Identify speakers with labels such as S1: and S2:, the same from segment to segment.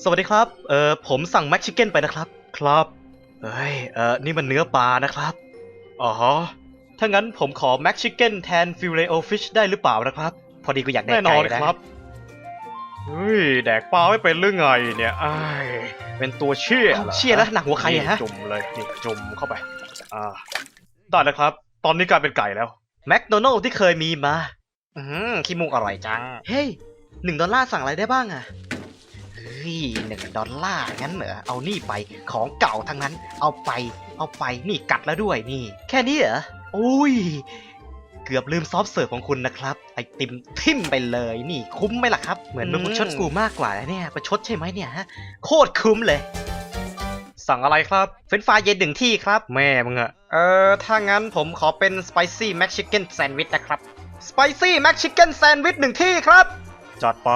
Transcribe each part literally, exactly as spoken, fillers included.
S1: สวัสดีครับ เอ่อ ผมสั่งแม็กชิคเก้นไปนะครับ ครับ เฮ้ย เอ่อ นี่มันเนื้อปลานะครับ อ๋อ ถ้างั้นผมขอแม็กชิคเก้นแทนฟิลเลโอฟิชได้หรือเปล่านะครับ พอดีกูอยากแดกไก่นะแน่นอนครับ เฮ้ย แดกปลาไม่เป็นหรือไงเนี่ยอ้ายเป็นตัวเชี่ยเหรอเชี่ยแล้วหนักหัวใครอะฮะจุ่มเลยนี่จุ่มเข้าไป อ่า ได้แล้วครับ ตอนนี้กลายเป็นไก่แล้ว แมคโดนัลด์ที่เคยมีมา อืมขี้มูกอร่อยจัง เฮ้ยหนึ่งดอลลาร์สั่งอะไรได้บ้างอะเฮ้ยหนึ่งดอลลาร์งั้นเหรอ เอานี่ไป ของเก่าทั้งนั้น เอาไป เอาไป นี่กัดแล้วด้วยนี่ แค่นี้เหรอโอ้ย เกือบลืมซอฟต์เสิร์ฟของคุณนะครับ ไอติมทิ่มไปเลย นี่คุ้มไหมล่ะครับ เหมือนมึงประชดกูมากกว่าเนี่ย ประชดใช่ไหมเนี่ยฮะ โคตรคุ้มเลย สั่งอะไรครับ เฟรนช์ฟรายเย็นหนึ่งที่ครับ แม่มึงอะเออ ถ้างั้นผมขอเป็นสไปซี่แม็กชิคเก้นแซนด์วิชนะครับ สไปซี่แม็กชิคเก้นแซนด์วิชหนึ่งที่ครับ จัดไป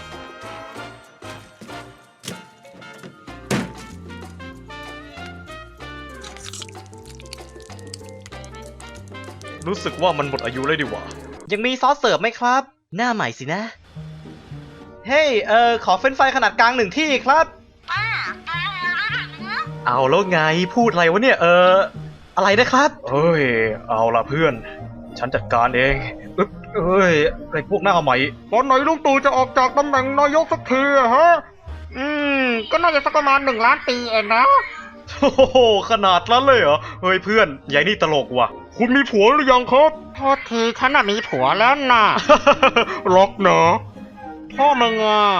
S1: รู้สึกว่ามันหมดอายุเลยดีกว่า ยังมีซอสเสิร์ฟไหมครับ หน้าใหม่สินะ เฮ้ย เออ ขอเฟรนช์ฟรายขนาดกลางหนึ่งที่ครับ เอาแล้วไง พูดอะไรวะเนี่ย เออ อะไรนะครับ เฮ้ย เอาละเพื่อน ฉันจัดการเองอึ๊บเอ้ย ไอ้พวกหน้าใหม่ตอนไหนลุงตู่จะออกจากตำแหน่งนายกสักทีอะฮะ
S2: อืม ก็น่าจะสักประมาณหนึ่งล้านปีเองนะ
S1: โอ้โห ขนาดนั้นเลยเหรอ เฮ้ยเพื่อนยายนี่ตลกว่ะ คุณมีผัวหรือยังครับ
S2: โทษทีฉันน่ะมีผัวแล้วน่ะ
S1: ล็อกเนอะ
S2: พ่อมึงอ่ะ